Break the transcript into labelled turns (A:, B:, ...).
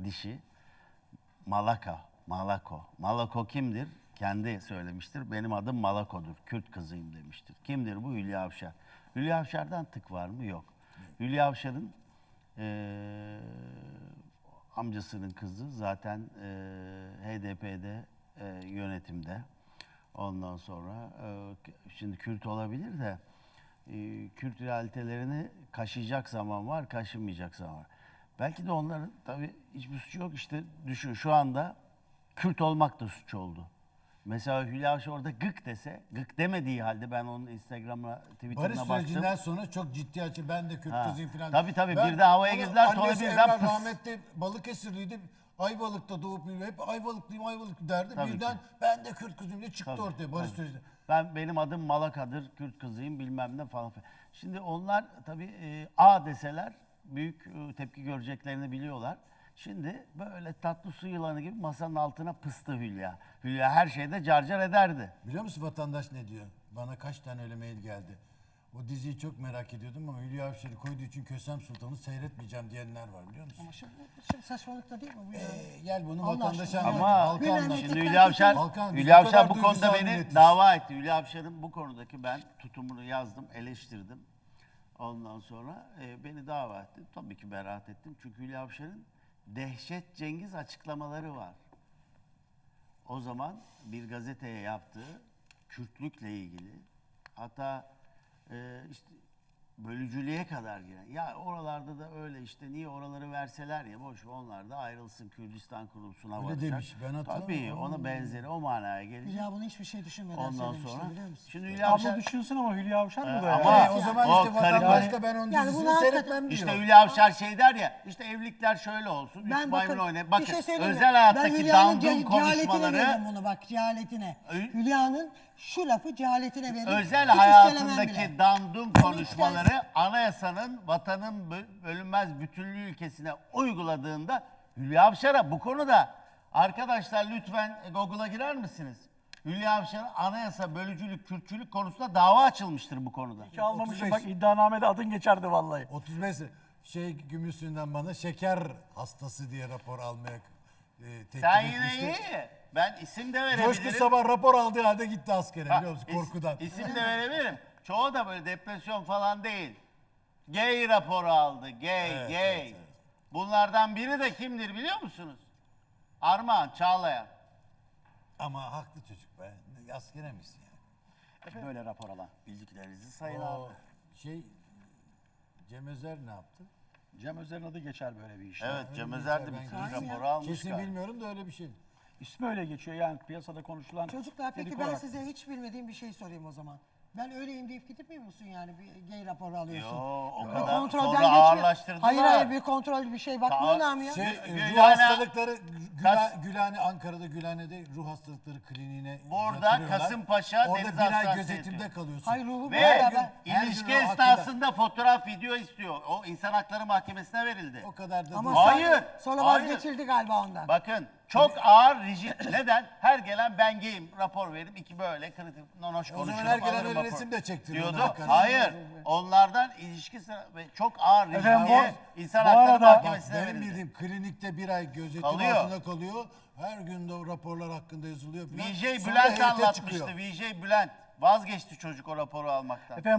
A: dişi Malako. Malako kimdir? Kendi söylemiştir. Benim adım Malako'dur. Kürt kızıyım demiştir. Kimdir bu? Hülya Avşar. Hülya Avşar'dan tık var mı? Yok. Hülya Avşar'ın amcasının kızı zaten HDP'de yönetimde. Ondan sonra şimdi Kürt olabilir de Kürt realitelerini kaşıyacak zaman var, kaşınmayacak zaman var. Belki de onların tabii hiçbir suçu yok. İşte düşün şu anda Kürt olmak da suç oldu. Mesela Hülya Avşar orada gık dese, gık demediği halde ben onun Instagram'a, Twitter'ına
B: Barış
A: baktım.
B: sürecinden sonra çok ciddi açı ben de Kürt kızıyım falan.
A: Tabii tabii
B: Ben-
A: bir de havaya
B: onu
A: girdiler sonra
B: annesi
A: birden
B: Emrah
A: pıs.
B: rahmetli Balıkesirliydi. Ayvalık'ta doğup büyüdü. Hep Ayvalıklıyım derdi.
A: Tabii
B: Birden
A: ki.
B: ben de Kürt kızıyım diye çıktı
A: Tabii,
B: ortaya Barış
A: tabii.
B: sürecinde.
A: Benim adım Malaka'dır, Kürt kızıyım bilmem ne falan filan. Şimdi onlar tabii A deseler büyük tepki göreceklerini biliyorlar. Şimdi böyle tatlı su yılanı gibi masanın altına pıstı Hülya. Hülya her şeyde carcar ederdi.
B: Biliyor musun vatandaş ne diyor? Bana kaç tane öyle mail geldi. O diziyi çok merak ediyordum ama Hülya Avşar'ı koyduğu için Kösem Sultan'ı seyretmeyeceğim diyenler var biliyor musun?
C: Ama şimdi saçmalıkta değil mi bu ya?
B: Gel bunu
C: Allah
B: vatandaşa
C: aşkına.
B: anlat.
A: Ama
B: halka
C: bir
B: anlat.
C: memleket-
A: şimdi Hülya Avşar,
B: Hakan, biz
A: Hülya
B: bu
A: Avşar
B: kadar
A: bu konuda
B: duygusal
A: beni
B: milletiz.
A: dava etti. Hülya Avşar'ın bu konudaki ben tutumunu yazdım, eleştirdim. Ondan sonra beni dava etti. Tabii ki beraat ettim. Çünkü Hülya Avşar'ın Dehşet Cengiz açıklamaları var. O zaman bir gazeteye yaptığı Kürtlükle ilgili hatta işte bölücülüğe kadar giren. Ya oralarda da öyle işte niye oraları verseler ya boş ver, onlar da ayrılsın Kürdistan kurulsuna
B: Öyle
A: varacak.
B: demiş, ben hatırlamıyorum.
A: Tabii ona benzeri o manaya gelecek.
C: Hülya bunu hiçbir şey düşünmeden
A: Ondan
C: söylemişti
A: sonra
C: biliyor musun?
A: şimdi Hülya
D: Abla
A: Avşar
D: düşünsün ama Hülya Avşar bu da
A: ama-
D: ya.
B: O zaman
A: O
B: işte
A: karı-
B: vatandaş da ben onun
C: Yani
B: dizisini
C: bunu
B: seyretmem diyor.
A: İşte Hülya Avşar şey der ya, işte evlilikler şöyle olsun, üç
C: Ben
A: maymun
C: bakın
A: oynayın.
C: bir
A: Bakın
C: şey söyleyeyim mi?
A: özel
C: Ben
A: hayattaki
C: Hülya'nın
A: dandum
C: cehaletine
A: konuşmaları
C: veririm bunu bak cehaletine. Hülya'nın şu lafı cehaletine veririm.
A: özel
C: Hiç
A: hayatındaki
C: üstelemem bile.
A: dandum konuşmaları anayasanın vatanın bölünmez bütünlüğü ilkesine uyguladığında Hülya Avşar'a bu konuda arkadaşlar lütfen Google'a girer misiniz? Hülya Avşar'a anayasa bölücülük, Kürtçülük konusunda dava açılmıştır bu konuda.
D: Hiç almamışım
B: 35.
D: bak iddianamede adın geçerdi vallahi.
B: 35 Gümüşsü'nden bana şeker hastası diye rapor almaya teklif
A: Sen yine
B: etmişti.
A: iyi. Ben isim de
B: Coşku
A: verebilirim.
B: sabah rapor aldığı halde gitti askere biliyor musun
A: İs-
B: korkudan.
A: İsim de verebilirim. Çoğu da böyle depresyon falan değil. Gay raporu aldı. Gay,
B: Evet,
A: gay.
B: evet, evet.
A: Bunlardan biri de kimdir biliyor musunuz? Armağan Çağlayan.
B: Ama haklı çocuk be. Askere misin yani?
A: Böyle rapor alan. Bildiklerinizi sayın abi.
B: O şey Cem Özer ne yaptı?
D: Cem Özer'in adı geçer böyle bir işte.
A: Evet Cem
B: öyle
A: Özer de
B: güzel,
A: bir
B: ben
A: raporu
C: görüyorum.
A: almış
B: Kesin
A: galiba.
B: bilmiyorum da öyle bir şey.
D: İsmi öyle geçiyor yani piyasada konuşulan.
C: Çocuklar peki
D: dedikodu
C: ben
D: hakkında.
C: size hiç bilmediğim bir şey sorayım o zaman. Ben öyleyim deyip gitmiyor musun yani bir gay raporu alıyorsun?
A: Yo, o
C: Bir
A: kadar
C: kontrolden
A: sonra
C: geçmiyor.
A: ağırlaştırdılar.
C: Hayır bir kontrol bir şey bakmıyorlar mı ya?
B: Şey,
A: Gülhane-
B: ruh hastalıkları
A: Kas-
B: Gülhane Ankara'da Gülhane'de ruh hastalıkları kliniğine
A: Burada
B: yatırıyorlar.
A: Kasımpaşa
B: Orada
A: Deniz
B: bir ay
A: Hastanesi'ne
B: gözetimde
A: yatıyor.
B: kalıyorsun.
C: Hayır ruhu
A: Ve
C: beraber.
B: her
A: ilişki
B: gün o
A: esnasında fotoğraf, video istiyor. O İnsan Hakları Mahkemesi'ne verildi.
B: O kadar da
C: Ama
B: değil.
A: Hayır,
C: sonra
A: hayır.
C: vazgeçildi galiba ondan.
A: Bakın çok ağır rigid. Neden? Her gelen ben gayim rapor veririm. İki böyle kritik nonoş
B: O zaman
A: konuşurum.
B: her gelen
A: alırım
B: öyle
A: rapor.
B: resim de çektiriyor
A: Diyordu.
B: ona bakarsan.
A: Hayır. Onlardan ilişki ve çok ağır rigid
D: Efendim,
A: diye İnsan
D: bu
A: Hakları
D: arada-
B: Bak
A: Mahkemesi'ne
B: benim
A: verildi.
B: bildiğim klinikte bir ay gözetim
A: Kalıyor.
B: altında kalıyor. Her gün de o raporlar hakkında yazılıyor falan.
A: VJ
B: Sonra
A: Bülent
B: heyete
A: anlatmıştı.
B: çıkıyor.
A: VJ Bülent. Vazgeçti çocuk o raporu almaktan.
D: Efendim